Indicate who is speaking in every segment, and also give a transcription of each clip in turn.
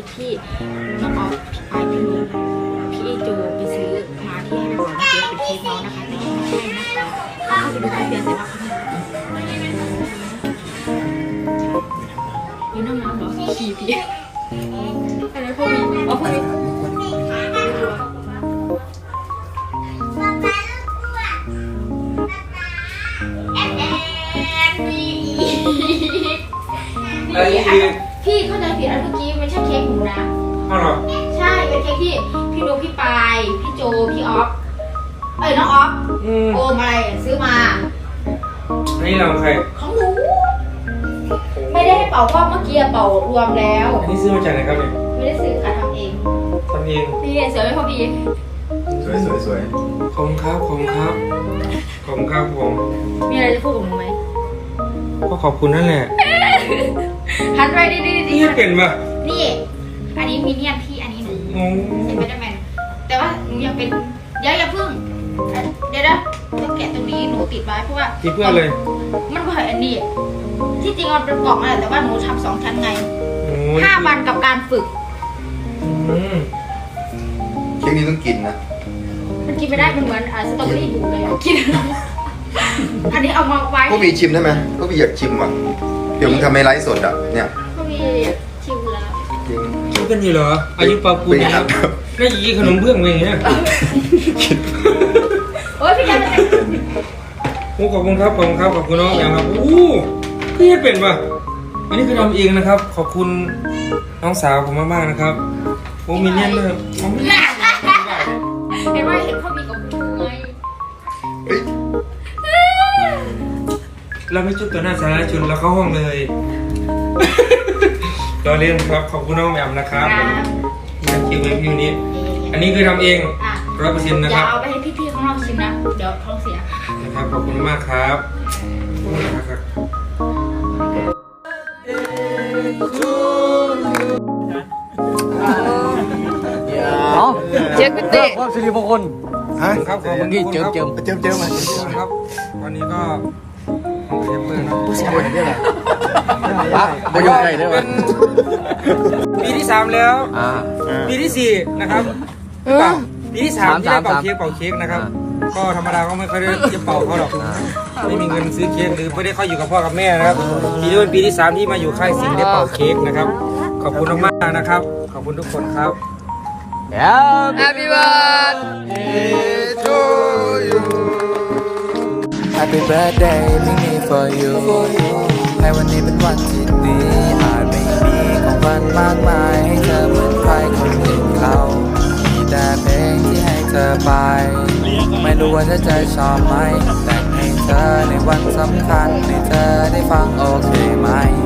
Speaker 1: ที่น้องออฟพี่โจไปซื้อมาที่ให้ไปบอกว่าเป็นเค้กน้องนะคะแต่ไม่ใช่นะคะเขาไปดูทะเบียนแต่ว่าอยู่น้ำน้ำเหรอขี่พี่อะไรพวกนี้อ๋อพวกนี้พี่เข้าใจผิดอันเมื่อกี้ไม่ใช่เค้กหนูนะอ้าวเหรอใช่เป็นเค้กที่พี่นุ๊กพี่ปายพี่โจพี่ออฟน้องออฟโอมอะไรซื้อมา
Speaker 2: อันนี้เราใคร
Speaker 1: ของหนูไม่ได้ให้เป่าเพราะเมื่อกี้เป่ารวมแล้ว
Speaker 2: อันนี้ซื้อมาจากไหนครับเนี่ย
Speaker 1: ไม่ได้ซื้อค่ะทำเองพี่เสือไม่พอดี
Speaker 3: สวย
Speaker 2: ขอบคุณครับผม
Speaker 1: มีอะไรจะพูดกับหนูไหม
Speaker 2: ก็ขอบคุณนั่นแหละ
Speaker 1: หันไปดิ
Speaker 2: นี่เป็นปะ
Speaker 1: นี่อันนี้มินเนี่ยนพี่อันนี้หนูเป็นแบทแมนแต่ว่าหนูยังเป็นอย่าพึ่งเดี๋ยวต้องแกะตรงนี้หนูติดไว้เพราะว่า
Speaker 2: ติดเพื่อเลย
Speaker 1: มันก็เห็นอันนี้ที่จริงมันเป็นกล่องอะไรแต่ว่าหนูทำ2 ชั้นไง5 วันกับการฝึก
Speaker 3: เค้กนี้ต้องกินนะ
Speaker 1: มันกินไม่ได้มันเหมือนสตรอเบอรี่อยู่เลยกินอันนี้เอามาไว้
Speaker 3: พวกพี่ชิมได้ไหมพวกพี่อยากชิมอ่ะเดี๋ยวมึงทำให้ไลฟ์สดอ่ะเนี่ย
Speaker 1: พวกพี่ชิมแล้ว
Speaker 2: ชิมกันอยู่เหรออายุปาปูนนะครับน่าจะกินขนมเบื้องอย่างเงี้ย
Speaker 1: โอ้ยพี่จะ
Speaker 2: ขอบคุณครับขอบคุณน้องอย่างครับพี่เป็นปะอันนี้คือทำเองนะครับขอบคุณน้องสาวผมมากๆนะครับมินเนี่ยนด้วย
Speaker 1: เห็นว่าเห็นพ่อมีกับกูไง
Speaker 2: เราไม่จุดตัวหน้าสาธารณชนเราเข้าห้องเลยรอเล่นครับขอบคุณน้องแหม่มนะครับมาคิวเวฟิวนี้อันนี้คือทำเอง100%นะครับ
Speaker 1: อย่าเอาไปให้พี่ๆข้างนอกชิมนะเดี๋ยวท้องเสีย
Speaker 2: นะครับขอบคุณมากครับ
Speaker 4: เช็คพิเศษความสิริมงคล
Speaker 2: ครับขอบคุณ
Speaker 4: เจิม
Speaker 2: มาครับวันนี้ก็เรียบเปิดนะ
Speaker 4: ผู้ชายเนี่ยแหละไม่ยอมใครได้ไหม
Speaker 2: ปีที่3แล้วปีที่4นะครับปีที่3ที่ได้เป่าเค้กนะครับก็ธรรมดาก็ไม่ค่อยได้จะเป่าเขาหรอกไม่มีเงินซื้อเค้กหรือไม่ได้เข้าอยู่กับพ่อกับแม่นะครับปีนี้เป็นปีที่3ที่มาอยู่ค่ายสิงห์ได้เป่าเค้กนะครับขอบคุณมากๆนะครับขอบคุณทุกคนครับ
Speaker 4: Happy birthday to you
Speaker 5: Happy birthday ที่มี for you ในวันนี้เป็นวันที่ดีอาจไม่มีของขวัญมากมายให้เธอเหมือนใครคนอื่นเขามีแต่เพลงที่ให้เธอไปไม่รู้ว่าจะชอบไหมแต่งให้เธอในวันสำคัญให้เธอได้ฟังโอเคไหม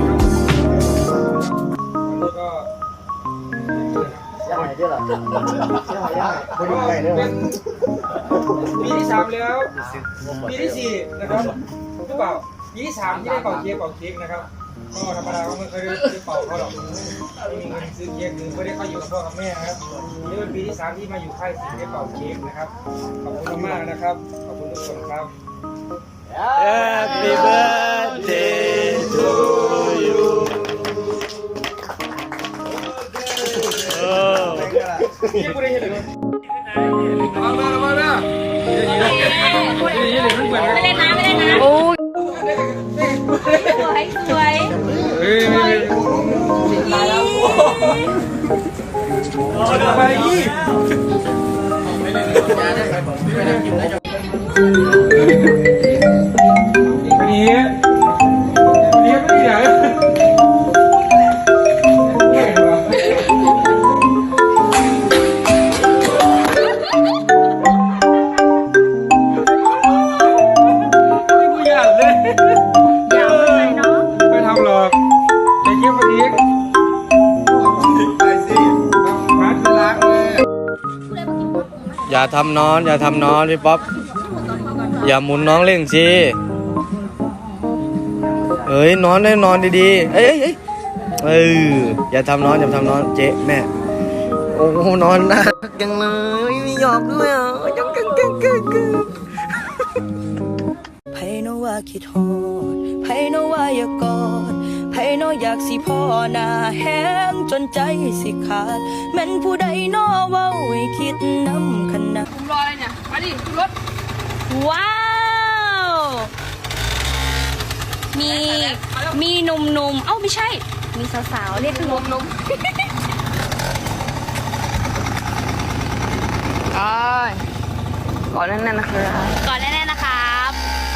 Speaker 2: ปีที่3แล้วปีที่4นะครับหรือเปล่าปีที่3ที่ได้เป่าเค้กนะครับก็ธรรมดาก็ไม่เคยได้เป่าเขาหรอกไม่มีเงินซื้อเค้กหรือไม่ได้เข้าอยู่กับพ่อกับแม่นะครับนี่เป็นปีที่3ที่มาอยู่ค่ายสิงห์ได้เป่าเค้กนะครับขอบคุณมากนะครับขอบคุณทุกคนครับ
Speaker 4: Happy birthday to you
Speaker 2: พี่กูได้เห็นเลยมาไม่เล่นน้ำ
Speaker 1: โอ้ยสวย
Speaker 2: ไปยี่นี่ไม่ได้
Speaker 4: อย่าทำน้อนพี่ป๊อปอย่าหมุนน้องเล่นสินอนได้นอนดีๆอย่าทำน้อนเจ๊แม่โอ้นอนน่ารักจังเลยไม่ยอมด้วยยังเก่งไผโนว่าคิดฮอดไผโนว่าอย่ากอดไผโน
Speaker 6: อยากสิพ่อหน้าแห้งจนใจสิขาดแม่นผู้ใดน้อเว้าให้คิดน้ำขนาด
Speaker 1: ผมรออะไรเนี่ยมาดิรถ
Speaker 6: ว้าว มีหนุ่มๆ เอ้าไม่ใช่ มีสาวๆ เรียกหนุ่มๆก่อนแน่นๆนะครับก่อนแน่นๆนะครับ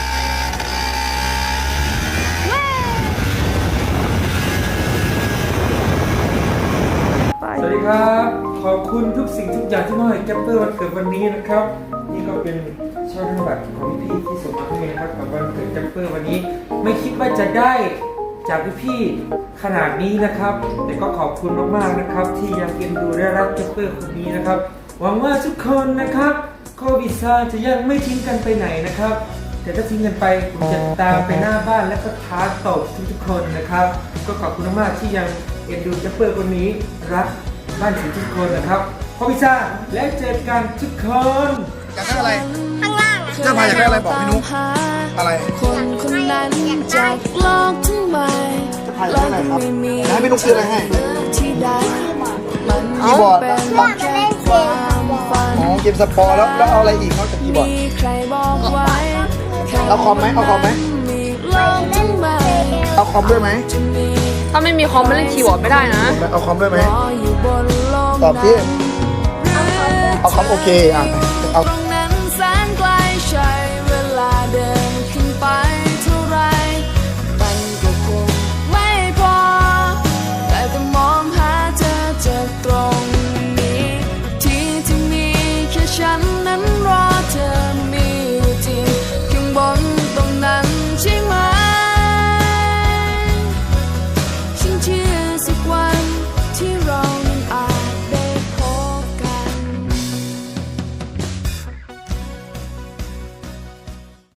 Speaker 2: สวัสดีครับขอบคุณทุกสิ่งทุกอย่างที่มอบให้แกปเปอร์วันเกิดวันนี้นะครับนี่ก็เป็นช่อธนบัตรของพี่ๆที่ส่งมาให้นะครับกับวันเกิดแกปเปอร์วันนี้ไม่คิดว่าจะได้จากพี่ๆขนาดนี้นะครับแต่ก็ขอบคุณมากๆนะครับที่ยังเอ็นดูและรักแกปเปอร์คนนี้นะครับหวังว่าทุกคนนะครับโควิด-19จะยังไม่ทิ้งกันไปไหนนะครับแต่ถ้าทิ้งกันไปผมจะตามไปหน้าบ้านและก็ท้าตบทุกๆคนนะครับก็ขอบคุณมากๆที่ยังเอ็นดูแกปเปอร์คนนี้รักบ้านทุกคนนะครับโควิด-19และเจอกันทุกคน
Speaker 3: อยากได้อะไร
Speaker 1: ข้างล่าง
Speaker 3: เจ้าพายอยากได้อะไรบอกพี่นุ๊กอะไร
Speaker 6: คนคนนั้นจากโลกทั้งใบ
Speaker 3: จะพายอยากได้อะไรครับให้พี่นุ๊กซื้ออะไรให้
Speaker 6: ที่ใดมัน
Speaker 3: คีย์บอร์ด
Speaker 6: เป็นแค่ความฝัน
Speaker 3: อ๋อเกมสปอร์แล้วเอาอะไรอีกนอกจากคีย์บอร์ด
Speaker 6: มีใครบอกไว้
Speaker 3: เอาคอมไหมเอาคอมไหม
Speaker 6: มีโลกทั้งใบ
Speaker 3: เอาคอมด้วยไหม
Speaker 6: จะมี
Speaker 7: ถ้าไม่มีคอมไม่เล่นคีย์บอร์ดไม่ได้นะ
Speaker 3: เอาคอมด้วยไหม
Speaker 6: รออยู่บนโลก
Speaker 3: ตอบที่
Speaker 6: นั้น
Speaker 3: เอาคอมโอเคอ่ะเอา
Speaker 6: ตรง